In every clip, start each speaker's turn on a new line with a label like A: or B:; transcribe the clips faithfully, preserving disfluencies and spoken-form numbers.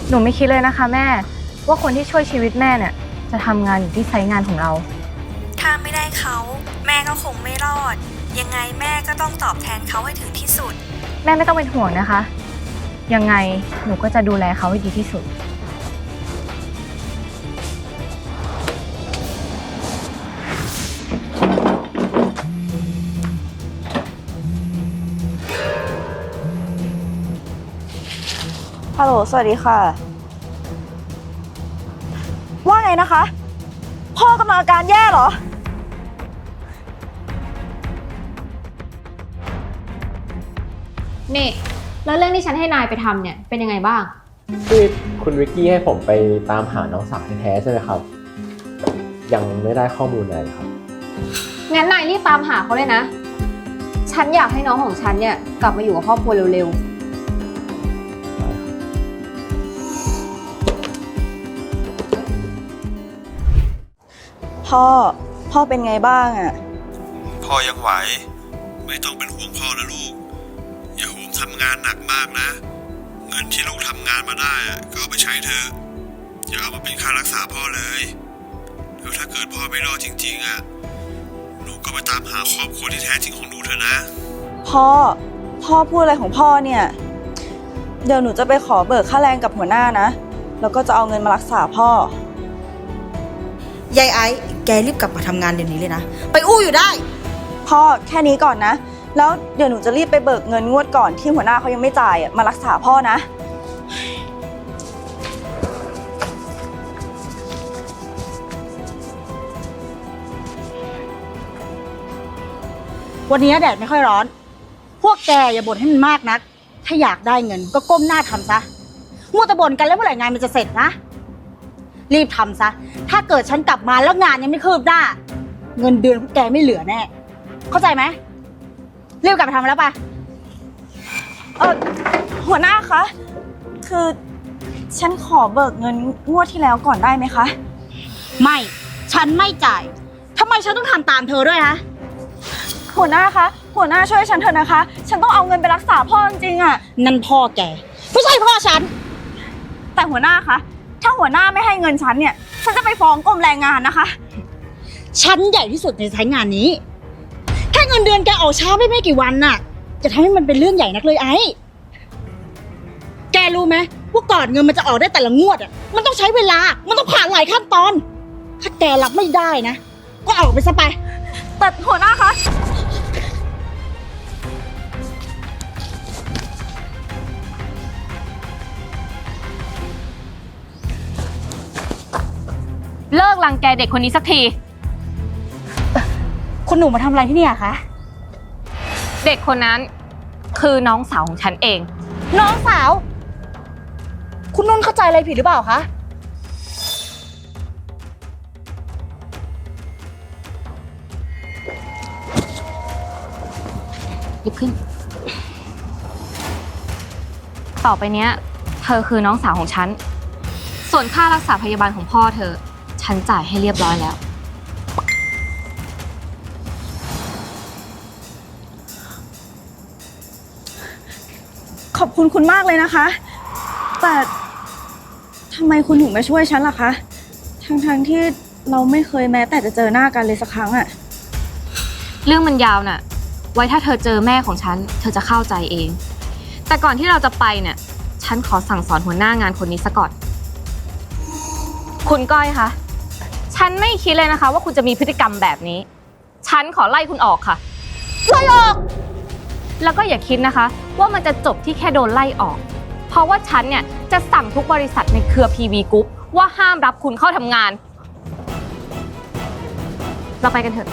A: หนูไม่คิดเลยนะคะแม่ว่าคนที่ช่วยชีวิตแม่เนี่ยจะทำงานอยู่ที่ไซต์งานของเรา
B: ถ้าไม่ได้เขาแม่ก็คงไม่รอดยังไงแม่ก็ต้องตอบแทนเขาให้ถึงที่สุด
A: แม่ไม่ต้องเป็นห่วงนะคะยังไงหนูก็จะดูแลเขาให้ดีที่สุด
C: ฮัลโหลสวัสดีค่ะว่าไงนะคะพ่อกำลังอาการแย่เหรอ
D: นี่แล้วเรื่องที่ฉันให้นายไปทำเนี่ยเป็นยังไงบ้าง
E: คือคุณวิกกี้ให้ผมไปตามหาน้องสาวแท้ๆใช่ไหมครับยังไม่ได้ข้อมูลอะไรครับ
D: งั้นนายรีบตามหาเขาเลยนะฉันอยากให้น้องของฉันเนี่ยกลับมาอยู่กับครอบครัวเร็ว
C: ๆพ่อพ่อเป็นไงบ้างอะ
F: พ่อยังไหวไม่ต้องเป็นห่วงพ่อนะลูกอย่าโหมทำงานหนักมากนะเงินที่ลูกทำงานมาได้ก็เอาไปใช้เถอะอย่าเอามาเป็นค่ารักษาพ่อเลยแล้วถ้าเกิดพ่อไม่รอดจริงๆอ่ะหนูก็ไปตามหาครอบครัวที่แท้จริงของหนูเถอะนะ
C: พ่อพ่อพูดอะไรของพ่อเนี่ยเดี๋ยวหนูจะไปขอเบิกค่าแรงกับหัวหน้านะแล้วก็จะเอาเงินมารักษาพ่อยายไอ้แกรีบกลับมาทำงานเดี๋ยวนี้เลยนะไปอู้อยู่ได้พ่อแค่นี้ก่อนนะแล้วเดี๋ยวหนูจะรีบไปเบิกเงินงวดก่อนที่หัวหน้าเขายังไม่จ่ายมารักษาพ่อนะ
G: วันนี้แดดไม่ค่อยร้อนพวกแกอย่าบ่นให้มันมากนักถ้าอยากได้เงินก็ก้มหน้าทำซะมัวแต่บ่นกันแล้วเมื่อไหร่งานมันจะเสร็จนะรีบทำซะถ้าเกิดฉันกลับมาแล้วงานยังไม่คืบหน้าเงินเดือนพวกแกไม่เหลือแน่เข้าใจไหมรีบกลับไปทำแล้วปะ
C: เออหัวหน้าคะคือฉันขอเบิกเงินงวดที่แล้วก่อนได้ไหมคะ
G: ไม่ฉันไม่จ่ายทำไมฉันต้องทำตามเธอด้วยฮะ
C: หัวหน้าคะหัวหน้าช่วยฉันเถอะนะคะฉันต้องเอาเงินไปรักษาพ่อจริงๆอ่ะ
G: นั่นพ่อแกไม่ใช่พ่อฉัน
C: แต่หัวหน้าคะถ้าหัวหน้าไม่ให้เงินฉันเนี่ยฉันจะไปฟ้องกรมแรงงานนะคะ
G: ฉันใหญ่ที่สุดในสายงานนี้แค่เงินเดือนแกออกช้าไม่ไม่กี่วันน่ะจะทำให้มันเป็นเรื่องใหญ่นักเลยไอ้แกรู้ไหมว่าก่อนเงินมันจะออกได้แต่ละงวดอ่ะมันต้องใช้เวลามันต้องผ่านหลายขั้นตอนถ้าแกรับไม่ได้นะก็ออกไปซะไป
C: แต่หัวหน้าคะ
A: เลิกรังแกเด็กคนนี้สักที
G: คุณหนูมาทำอะไรที่นี่อะคะ
A: เด็กคนนั้นคือน้องสาวของฉันเอง
G: น้องสาวคุณนุ่นเข้าใจอะไรผิดหรือเปล่าคะ
A: หยิบขึ้นต่อไปเนี้ยเธอคือน้องสาวของฉันส่วนค่ารักษาพยาบาลของพ่อเธอฉันจ่ายให้เรียบร้อยแล้ว
C: ขอบคุณคุณมากเลยนะคะแต่ทำไมคุณถึงมาช่วยฉันล่ะคะทั้งๆที่เราไม่เคยแม้แต่จะเจอหน้ากันเลยสักครั้งอะ
A: เรื่องมันยาวน่ะไว้ถ้าเธอเจอแม่ของฉันเธอจะเข้าใจเองแต่ก่อนที่เราจะไปเนี่ยฉันขอสั่งสอนหัวหน้างานคนนี้ซะก่อนคุณก้อยคะฉันไม่คิดเลยนะคะว่าคุณจะมีพฤติกรรมแบบนี้ฉันขอไล่คุณออกค่ะ
G: ไล่ออก
A: แล้วก็อย่าคิดนะคะว่ามันจะจบที่แค่โดนไล่ออกเพราะว่าฉันเนี่ยจะสั่งทุกบริษัทในเครือ พี วี Group ว่าห้ามรับคุณเข้าทำงานเราไปกันเถอะ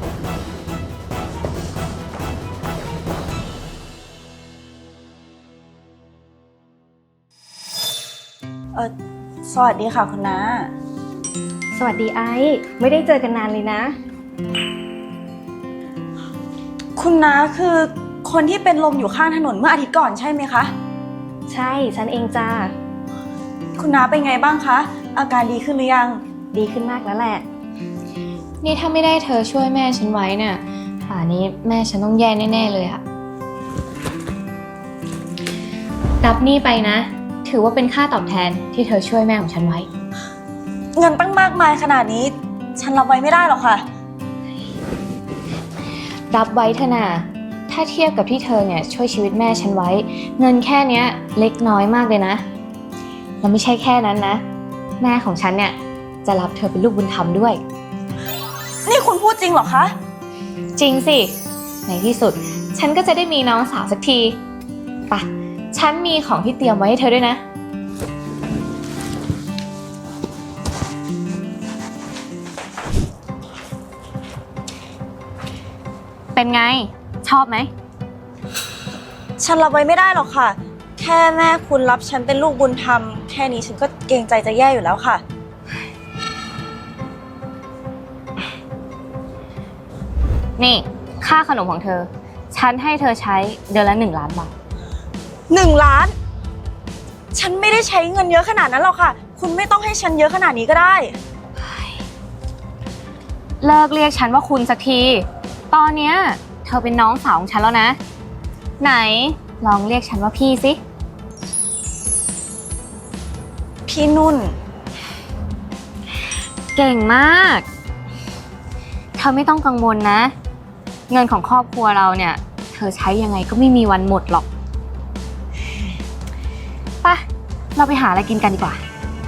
C: เออสวัสดีค่ะคุณน้า
D: สวัสดีไอ้ไม่ได้เจอกันนานเลยนะ
C: คุณน้าคือคนที่เป็นลมอยู่ข้างถนนเมื่ออาทิตย์ก่อนใช่ไหมคะ
D: ใช่ฉันเองจ้า
C: คุณน้าเป็นไงบ้างคะอาการดีขึ้นหรือยัง
D: ดีขึ้นมากแล้วแหละ
A: นี่ถ้าไม่ได้เธอช่วยแม่ฉันไว้เนี่ยป่านนี้แม่ฉันต้องแย่แน่ๆเลยค่ะรับนี่ไปนะถือว่าเป็นค่าตอบแทนที่เธอช่วยแม่ของฉันไว้
C: เงินตั้งมากมายขนาดนี้ ฉันรับไว้ไม่ได้หรอกค่ะ
A: รับไว้เถอะนะถ้าเทียบกับที่เธอเนี่ยช่วยชีวิตแม่ฉันไว้ เงินแค่เนี้ยเล็กน้อยมากเลยนะแล้วไม่ใช่แค่นั้นนะ แม่ของฉันเนี่ยจะรับเธอเป็นลูกบุญธรรมด้วย
C: นี่คุณพูดจริงเหรอคะ
A: จริงสิ ในที่สุดฉันก็จะได้มีน้องสาวสักทีไปะฉันมีของที่เตรียมไว้ให้เธอด้วยนะ เป็นไง ชอบไหม
C: ฉันรับไว้ไม่ได้หรอกค่ะ แค่แม่คุณรับฉันเป็นลูกบุญธรรม แค่นี้ฉันก็เกรงใจจะแย่อยู่แล้วค่ะ
A: นี่ค่าขนมของเธอ ฉันให้เธอใช้เดือนละหนึ่งล้านบาท
C: หนึ่งล้าน ฉันไม่ได้ใช้เงินเยอะขนาดนั้นหรอกค่ะ คุณไม่ต้องให้ฉันเยอะขนาดนี้ก็ได้
A: เลิกเรียกฉันว่าคุณสักที ตอนเนี้ยเธอเป็นน้องสาวของฉันแล้วนะ ไหนลองเรียกฉันว่าพี่สิ
C: พี่นุ่น
A: เก่งมาก เธอไม่ต้องกังวลนะ เงินของครอบครัวเราเนี่ย เธอใช้ยังไงก็ไม่มีวันหมดหรอกไปเราไปหาอะไรกินกันดีกว่า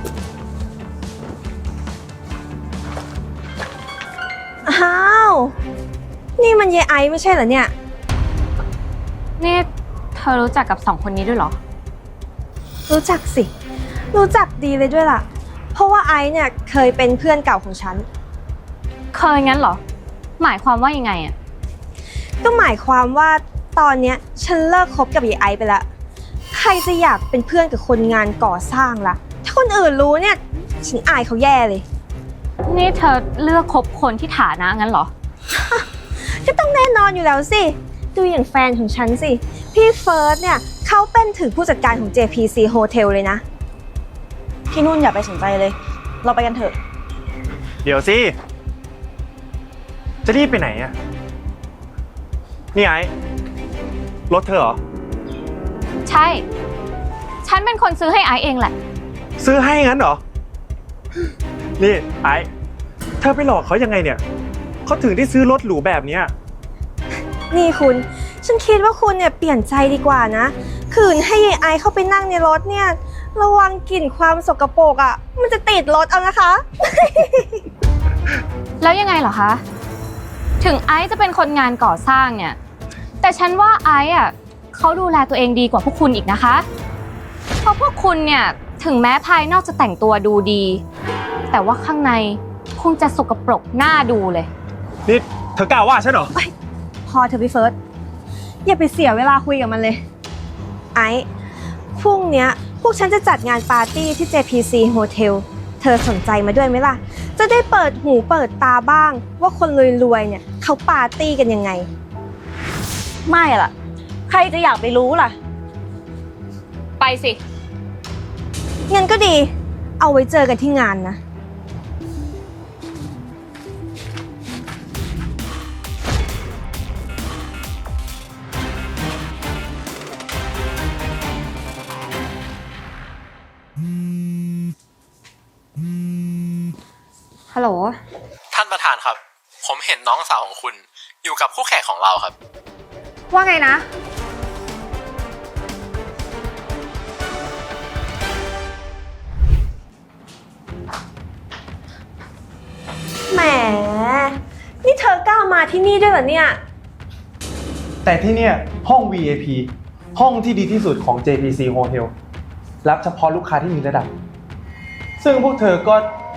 H: อ้าว นี่มันเยไอไม่ใช่เหรอเนี่ย
A: นี่เธอรู้จักกับสองคนนี้ด้วยเหรอ
H: รู้จักสิ รู้จักดีเลยด้วยล่ะ เพราะว่าไอซ์เนี่ยเคยเป็นเพื่อนเก่าของฉัน
A: เคยงั้นเหรอ หมายความว่ายังไงอะ
H: ก็หมายความว่าตอนเนี้ยฉันเลิกคบกับเยไอซ์ไปละใครจะอยากเป็นเพื่อนกับคนงานก่อสร้างล่ะ ถ้าคนอื่นรู้เนี่ย ฉันอายเขาแย่เลย
A: นี่เธอเลือกคบคนที่ฐานะงั้นเหรอ
H: ก็ต้องแน่นอนอยู่แล้วสิ ดูอย่างแฟนของฉันสิ พี่เฟิร์สเนี่ยเขาเป็นถึงผู้จัดการของ เจ พี ซี Hotel เลยนะ
C: พี่นุ่นอย่าไปสนใจเลย เราไปกันเถอะ
I: เดี๋ยวสิ จะรีบไปไหนอะนี่ไอ้รถเธอเหรอ
A: ใช่ ฉันเป็นคนซื้อให้ไอซ์เองแหละ
I: ซื้อให้งั้นเหรอ นี่ไอ้เธอไปหลอกเขายังไงเนี่ย เขาถึงได้ซื้อรถหรูแบบเนี้ย
H: นี่คุณ ฉันคิดว่าคุณเนี่ยเปลี่ยนใจดีกว่านะ คืนให้ยายไอเข้าไปนั่งในรถเนี่ย ระวังกลิ่นความสกปรกอ่ะ มันจะติดรถเอานะคะ
A: แล้วยังไงเหรอคะ ถึงไอซ์จะเป็นคนงานก่อสร้างเนี่ย แต่ฉันว่าไอซ์อ่ะเขาดูแลตัวเองดีกว่าพวกคุณอีกนะคะ เพราะพวกคุณเนี่ยถึงแม้ภายนอกจะแต่งตัวดูดี แต่ว่าข้างในคงจะสกปรกน่าดูเลย
I: นี่เธอกล้าว่าฉันเหรอ
H: พอเธอะพี่เฟิร์สอย่าไปเสียเวลาคุยกับมันเลย ไอ้พรุ่งเนี้ยพวกฉันจะจัดงานปาร์ตี้ที่ เจ พี ซี Hotel เธอสนใจมาด้วยไหมล่ะ จะได้เปิดหูเปิดตาบ้างว่าคนรวยๆเนี่ยเขาปาร์ตี้กันยังไง
C: ไม่ล่ะ ใครจะอยากไปรู้ล่ะ
A: ไปสิ
H: งั้นก็ดี เอาไว้เจอกันที่งานนะ
A: ฮัลโหล
E: ท่านประธานครับ ผมเห็นน้องสาวของคุณอยู่กับคู่แข่งของเราครับ
D: ว่าไงนะ
H: แหม นี่เธอกล้ามาที่นี่ด้วยเหรอเนี่ย
I: แต่ที่เนี่ยห้อง วี ไอ พี ห้องที่ดีที่สุดของ เจ พี ซี Hotel รับเฉพาะลูกค้าที่มีระดับ ซึ่งพวกเธอก็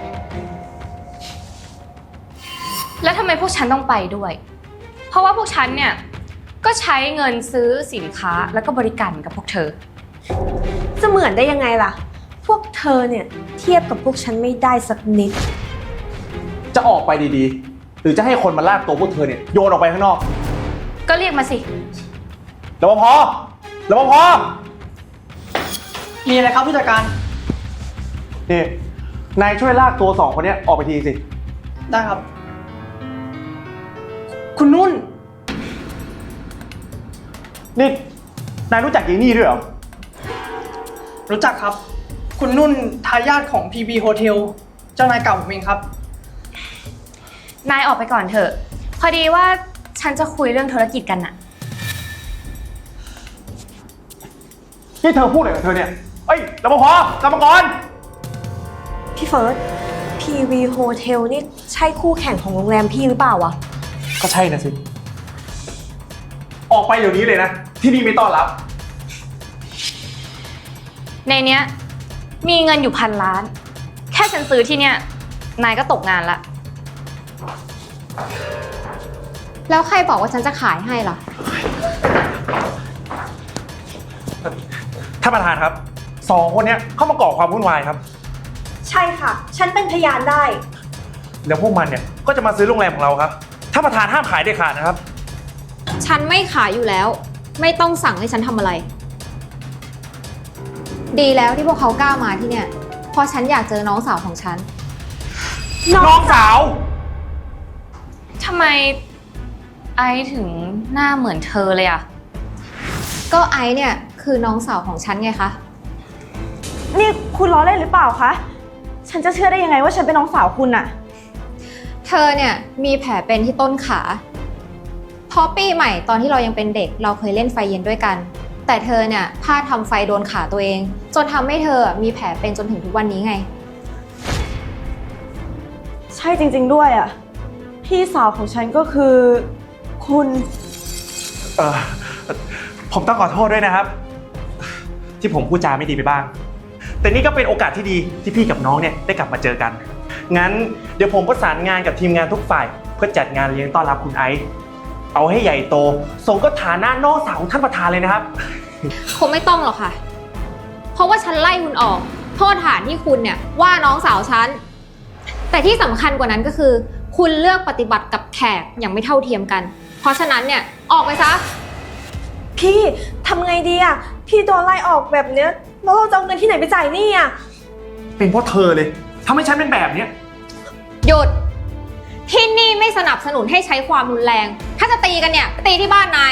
A: แล้วทำไมพวกฉันต้องไปด้วย เพราะว่าพวกฉันเนี่ยก็ใช้เงินซื้อสินค้าแล้วก็บริการกับพวกเธอ
H: จะเหมือนได้ยังไงล่ะ พวกเธอเนี่ยเทียบกับพวกฉันไม่ได้สักนิด
I: จะออกไปดีๆ หรือจะให้คนมาลากตัวพวกเธอเนี่ยโยนออกไปข้างนอก
A: ก็เรียกมาสิ
I: รปภ รปภ
J: มีอะไรครับผู้จัดการ
I: นี่ นายช่วยลากตัวสองคนเนี้ยออกไปทีสิ
J: ได้ครับ คุณนุ่น
I: นี่ นายรู้จักยีนี่ด้วยเหรอ
J: รู้จักครับ คุณนุ่นทายาทของ พี บี Hotel เจ้านายเก่าผมเองครับ
A: นายออกไปก่อนเถอะ พอดีว่าฉันจะคุยเรื่องธุรกิจกันน่ะ
I: นี่เธอพูดอะไรกับเธอเนี่ย เอ้ยรปภกรรมกร
H: พี่เฟิร์ส พี วี Hotel นี่ใช่คู่แข่งของโรงแรมพี่หรือเปล่าวะ
I: ก็ใช่นะสิ ออกไปเดี๋ยวนี้เลยนะ ที่นี่ไม่ต้อนรับ
A: ในเนี้ยมีเงินอยู่พันล้าน แค่ฉันซื้อที่เนี้ยนายก็ตกงานละ
D: แล้วใครบอกว่าฉันจะขายให้ล่ะ
I: ท่านประธานครับ สองคนเนี้ยเข้ามาก่อความวุ่นวายครับ
H: ใช่ค่ะ ฉันเป็นพยานได้
I: แล้วพวกมันเนี่ยก็จะมาซื้อโรงแรมของเราครับ ท่านประธานห้ามขายเด็ดขาดนะครับ
D: ฉันไม่ขายอยู่แล้ว ไม่ต้องสั่งให้ฉันทำอะไร ดีแล้วที่พวกเขากล้ามาที่เนี่ยเพราะฉันอยากเจอน้องสาวของฉัน
I: น้องสาว
A: ทำไมไอซ์ถึงหน้าเหมือนเธอเลยอะ
D: ก็ไอซ์เนี่ยคือน้องสาวของฉันไงคะ
C: นี่คุณล้อเล่นหรือเปล่าคะ ฉันจะเชื่อได้ยังไงว่าฉันเป็นน้องสาวคุณอะ
D: เธอเนี่ยมีแผลเป็นที่ต้นขาเพราะปีใหม่ตอนที่เรายังเป็นเด็กเราเคยเล่นไฟเย็นด้วยกัน แต่เธอเนี่ยพลาดทำไฟโดนขาตัวเองจนทำให้เธอมีแผลเป็นจนถึงทุกวันนี้ไง
C: ใช่จริงๆด้วยอะพี่สาวของฉันก็คือคุณ
I: เออผมต้องขอโทษด้วยนะครับ ที่ผมพูดจาไม่ดีไปบ้าง แต่นี่ก็เป็นโอกาสที่ดีที่พี่กับน้องเนี่ยได้กลับมาเจอกัน งั้นเดี๋ยวผมประสานงานกับทีมงานทุกฝ่ายเพื่อจัดงานเลี้ยงต้อนรับคุณไอซ์เอาให้ใหญ่โตสมกับฐานะน้องสาวของท่านประธานเลยนะครับ
D: คงไม่ต้องหรอกค่ะ เพราะว่าฉันไล่คุณออกโทษฐานที่คุณเนี่ยว่าน้องสาวฉันแต่ที่สำคัญกว่านั้นก็คือ คุณเลือกปฏิบัติกับแขกอย่างไม่เท่าเทียมกัน เพราะฉะนั้นเนี่ยออกไปซะ
H: พี่ทำไงดีอะพี่โดนไล่ออกแบบเนี้ยแล้วเราจะเอาเงินที่ไหนไปจ่ายหนี้อะ
I: เป็นเพราะเธอเลยทำให้ฉันเป็นแบบเนี้ย
D: หยุดที่นี่ไม่สนับสนุนให้ใช้ความรุนแรง ถ้าจะตีกันเนี่ยไปตีที่บ้านนาย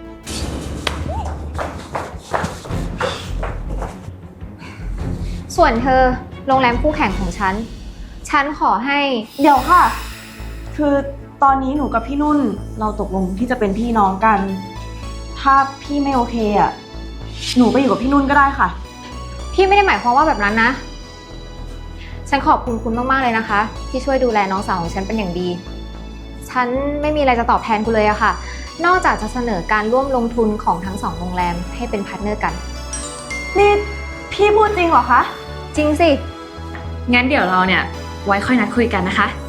D: ส่วนเธอโรงแรมคู่แข่งของฉัน ฉันขอให้
C: เดี๋ยวค่ะ คือตอนนี้หนูกับพี่นุ่นเราตกลงที่จะเป็นพี่น้องกัน ถ้าพี่ไม่โอเคอะหนูไปอยู่กับพี่นุ่นก็ได้ค่ะ
D: พี่ไม่ได้หมายความว่าแบบนั้นนะ ฉันขอบคุณคุณมากๆเลยนะคะ ที่ช่วยดูแลน้องสาวของฉันเป็นอย่างดี ฉันไม่มีอะไรจะตอบแทนคุณเลยอะค่ะ นอกจากจะเสนอการร่วมลงทุนของทั้งสองโรงแรมให้เป็นพาร์ทเนอร์กัน
C: นี่พี่พูดจริงเหรอคะ
D: จริงสิ
A: งั้นเดี๋ยวเราเนี่ยไว้ค่อยนัดคุยกันนะคะ